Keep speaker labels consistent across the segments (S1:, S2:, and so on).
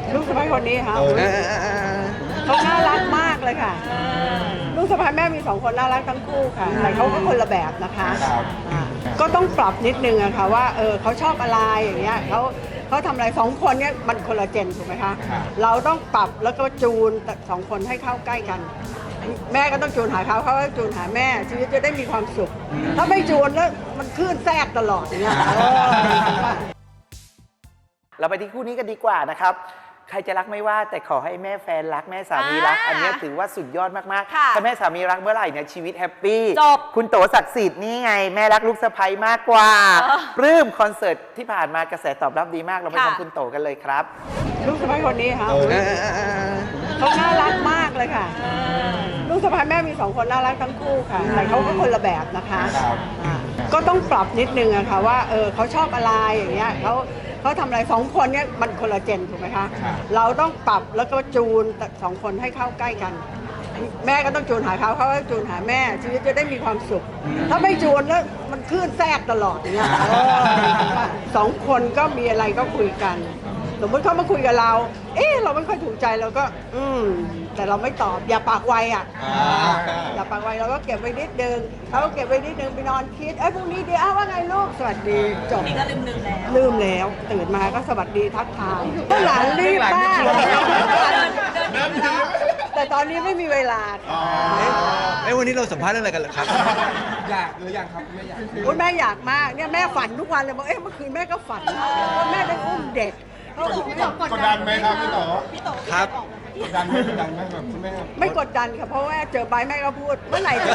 S1: ลูกสะใภ้คนนี้ค่ะเขาน่ารักมากเลยค่ะลูกสะใภ้แม่มี2 คนน่ารักทั้งคู่ค่ะแต่เขาก็คนละแบบนะคะก็ต้องปรับนิดนึงอะค่ะว่าเขาชอบอะไรอย่างเงี้ยเขาทำอะไร2 คนเนี่ยมันคนละเจนถูกไหมคะเราต้องปรับแล้วก็จูน2 คนให้เข้าใกล้กันแม่ก็ต้องจูนหาเขาก็จูนหาแม่ชีวิตจะได้มีความสุขถ้าไม่จูนแล้วมันคลื่นแทรกตลอดอย่างเงี้ย
S2: เราไปที่คู่นี้กันดีกว่านะครับใครจะรักไม่ว่าแต่ขอให้แม่แฟนรักแม่สามีรักอันนี้ถือว่าสุดยอดมากๆถ้าแม่สามีรักเมื่อไหร่เนี่ยชีวิตแฮปปี้
S3: จบ
S2: คุณโตศักดิ์สิทธิ์นี่ไงแม่รักลูกสะใภ้มากกว่าปลื้มคอนเสิร์ตที่ผ่านมากระแสตอบรับดีมากเราไปฟังคุณโตกันเลยครับ
S1: ลูกสะใภ้คนนี้ค่ะเขาน่ารักมากเลยค่ะลูกสะใภ้แม่มี2 คนน่ารักทั้งคู่ค่ะแต่เขาก็คนละแบบนะคะก็ต้องปรับนิดนึงอะค่ะว่าเขาชอบอะไรอย่างเงี้ยเขาทำอะไร2 คนเนี่ยมันคนละเจนถูกไหมคะเราต้องปรับแล้วก็จูน2 คนให้เข้าใกล้กันแม่ก็ต้องจูนหาเขาก็จูนหาแม่ชีวิตจะได้มีความสุขถ้าไม่จูนแล้วมันคลื่นแทรกตลอดอย่างเงี้ย2 คนก็มีอะไรก็คุยกันสมมติเขามาคุยกับเราเราไม่ค่อยถูกใจเราก็แต่เราไม่ตอบอย่าปากไวอ่ะอย่าปากไวเราก็เก็บไว้นิดนึงเขาก็เก็บไว้นิดนึงไปนอนคิดพรุ่งนี้ดีว่าไงลูกสวัสดีจบนี่ก็ลืมแล้วตื่นมาก็สวัสดีทักทายหลานรีบมากแต่ตอนนี้ไม่มีเวลา
S4: วันนี้เราสัมภาษณ์เรื่องอะไรกันเหรอครับ
S5: อยากหรือยังครับไม่อยาก
S1: แม่อยากมากเนี่ยแม่ฝันทุกวันเลยบอกเมื่อคืนแม่ก็ฝันว่าแม่ได้อุ้มเด็ก
S5: กดดันไหมครับพี่โต
S4: ครับ
S5: กดดันไหมแบบคุณแม่
S1: ไม่กดดันค่ะเพราะว่าเจอใบแม่ก็พูดเมื่อไหร่จะ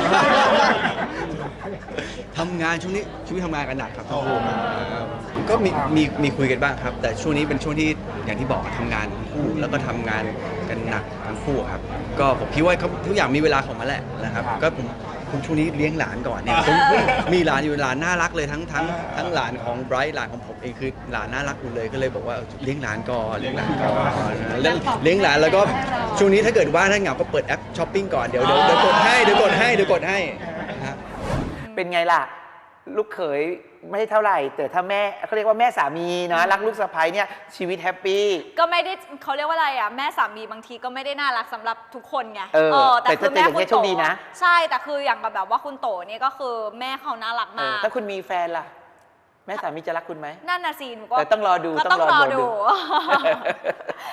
S4: ทำงานช่วงนี้ชีวิตทำงานกันหนักครับก็มีคุยกันบ้างครับ แต่ช่วงนี้เป็นช่วงที่อย่างที่บอกทำงานทั้งคู่แล้วก็ทำงานกันหนักทั้งคู่ครับก็ผมคิดว่าทุกอย่างมีเวลาของมันแหละนะครับก็ผมช่วงนี้เลี้ยงหลานก่อนเนี่ยผมมีหลานอยู่หลานน่ารักเลยทั้งหลานของไบรท์หลานของผมเองคือหลานน่ารักหมดเลยก็เลยบอกว่าเลี้ยงหลานก่อนเลี้ยงหลานเลี้ยงหลานแล้วก็ช่วงนี้ถ้าเกิดว่าถ้าเหงาก็เปิดแอปช้อปปิ้งก่อนเดี๋ยวกดให้
S2: เป็นไงล่ะลูกเขยไม่เท่าไหร่แต่ถ้าแม่เขาเรียกว่าแม่สามีนะรักลูกสะใภ้เนี่ยชีวิตแฮปปี้
S3: ก็ไม่ได้เขาเรียกว่าอะไรอ่ะแม่สามีบางทีก็ไม่ได้น่ารักสำหรับทุกคนไง
S2: แต่คือแม่คุณโตนะ
S3: ใช่แต่คืออย่างแบบว่าคุณโตเนี่ยก็คือแม่เขาน่ารักมาก
S2: ถ้าคุณมีแฟนล่ะแม่สามีจะรักคุณไหม
S3: นั่นน่ะสิหนูก็
S2: แต่ต้องรอดู